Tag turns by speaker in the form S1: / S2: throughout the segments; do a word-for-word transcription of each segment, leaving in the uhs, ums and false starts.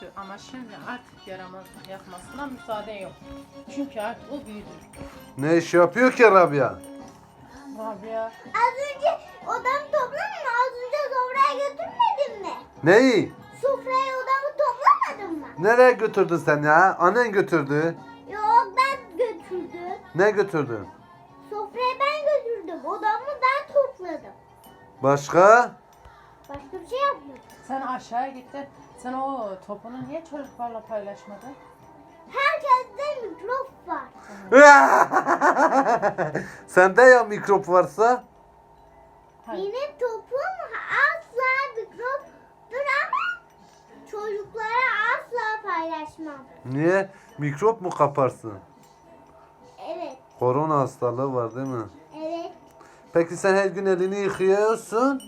S1: Ama şimdi artık yaramazlık yapmasına müsaade yok. Çünkü artık o büyüdü.
S2: Ne iş yapıyor ki Rabia?
S1: Rabia.
S3: Az önce odamı toplamadın mı? Az önce sofraya götürmedin mi?
S2: Neyi?
S3: Sofraya odamı toplamadın mı?
S2: Nereye götürdün sen ya? Annen götürdü.
S3: Yok ben götürdüm.
S2: Ne götürdün?
S3: Sofraya ben götürdüm. Odamı ben topladım.
S2: Başka?
S3: Başka bir şey yapmadım.
S1: Sen aşağıya gittin. Sen o topunu niye çocuklarla paylaşmadın?
S3: Herkeste mikrop var.
S2: Sende ya mikrop varsa?
S1: Hayır.
S3: Benim topum asla mikroptur ama çocuklara asla paylaşmam.
S2: Niye? Mikrop mu kaparsın?
S3: Evet,
S2: Korona hastalığı var değil mi?
S3: evet.
S2: Peki sen her gün elini yıkıyorsun?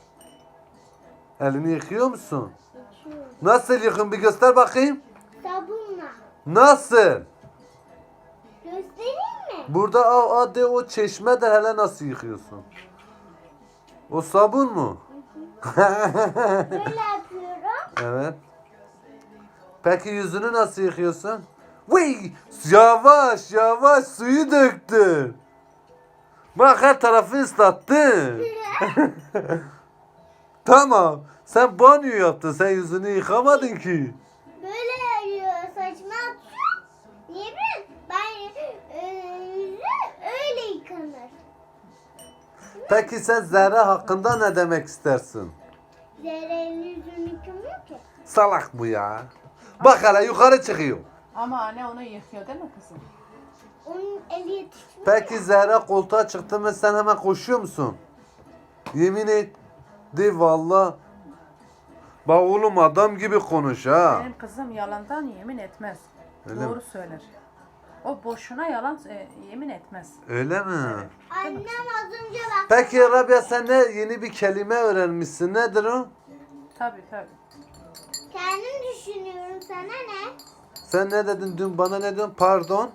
S2: Elini yıkıyor musun?
S3: İçiyorum.
S2: Nasıl yıkın bir göster bakayım.
S3: Sabunla.
S2: Nasıl?
S3: Göstereyim mi?
S2: Burada o, hadi o çeşme de hele nasıl yıkıyorsun? O sabun mu?
S3: Böyle yapıyorum.
S2: Evet. Peki yüzünü nasıl yıkıyorsun? Vıy! Yavaş yavaş suyu döktün. Bak her tarafı ıslattın. Tamam. Sen banyo yaptın. Sen yüzünü yıkamadın ki.
S3: Böyle yapıyor. Saçma atıyor. Niye bileyim? Ben e, yüzü öyle yıkanır.
S2: Peki sen Zehra hakkında ne demek istersin?
S3: Zerre'nin yüzünü yıkamıyor ki.
S2: Salak bu ya. Bak hele yukarı çıkıyor.
S1: Ama anne onu yıkıyor değil mi kızım?
S3: Onun eli yetişmiyor.
S2: Peki Zehra koltuğa çıktı mı sen hemen koşuyor musun? Yemin et. De valla. Bak oğlum adam gibi konuş ha.
S1: Benim kızım yalandan yemin etmez.
S2: Öyle
S1: Doğru
S2: mi?
S1: söyler. O boşuna yalan e, yemin etmez.
S2: Öyle mi?
S3: Annem az önce bak.
S2: Peki Rabia sen ne yeni bir kelime öğrenmişsin. Nedir o?
S1: Tabii tabii.
S3: Kendim düşünüyorum, sana ne?
S2: Sen ne dedin dün bana ne diyorsun? Pardon.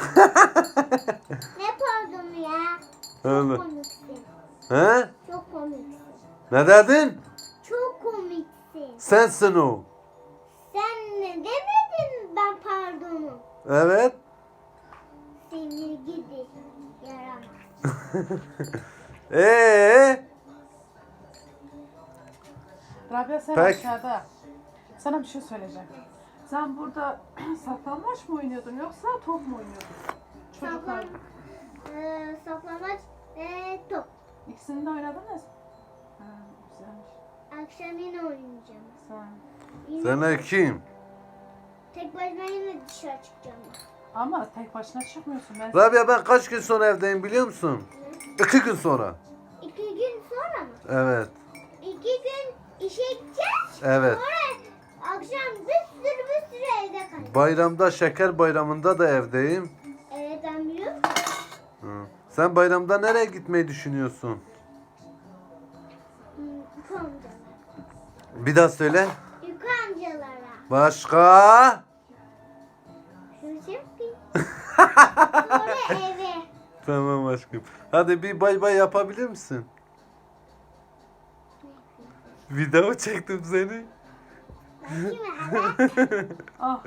S3: Ne pardonu ya?
S2: Öyle.
S3: Çok komiksin.
S2: He?
S3: Çok komiksin.
S2: Ne dedin?
S3: Çok komiksin.
S2: Sensin o.
S3: Sen ne demedin ben pardonu?
S2: Evet.
S3: Seni gidi yaramaz.
S2: Ee?
S1: Rabia sen
S2: Peki.
S1: aşağıda. Sana bir şey söyleyeceğim. Sen burada saklanmaç mı oynuyordun yoksa top mu oynuyordun? Çocuklar.
S3: Saklan, e, saklamaç ve top.
S1: İkisini de oynadınız. Ha, güzelmiş.
S3: Akşam yine oynayacağım.
S1: Sen.
S3: Yine
S2: Sana kim?
S3: tek başıma yine dışarı çıkacağım.
S1: Ama tek başına çıkmıyorsun. Ben
S2: Rabia ben kaç gün sonra evdeyim biliyor musun? İki gün sonra.
S3: İki gün sonra mı?
S2: Evet.
S3: İki gün işe gideceğiz.
S2: Evet.
S3: Sonra akşam bir sürü bir sürü evde kalacağız.
S2: Bayramda şeker bayramında da evdeyim.
S3: Evet ben biliyorum.
S2: Hı. Sen bayramda nereye gitmeyi düşünüyorsun?
S3: Hmm, Yuka amcalara.
S2: Bir daha söyle.
S3: Yuka amcalara.
S2: Başka?
S3: Şunu şey yapayım. Sonra eve.
S2: Tamam aşkım. Hadi bir bay bay yapabilir misin? Video çektim seni.
S3: Bakayım hemen.
S1: ah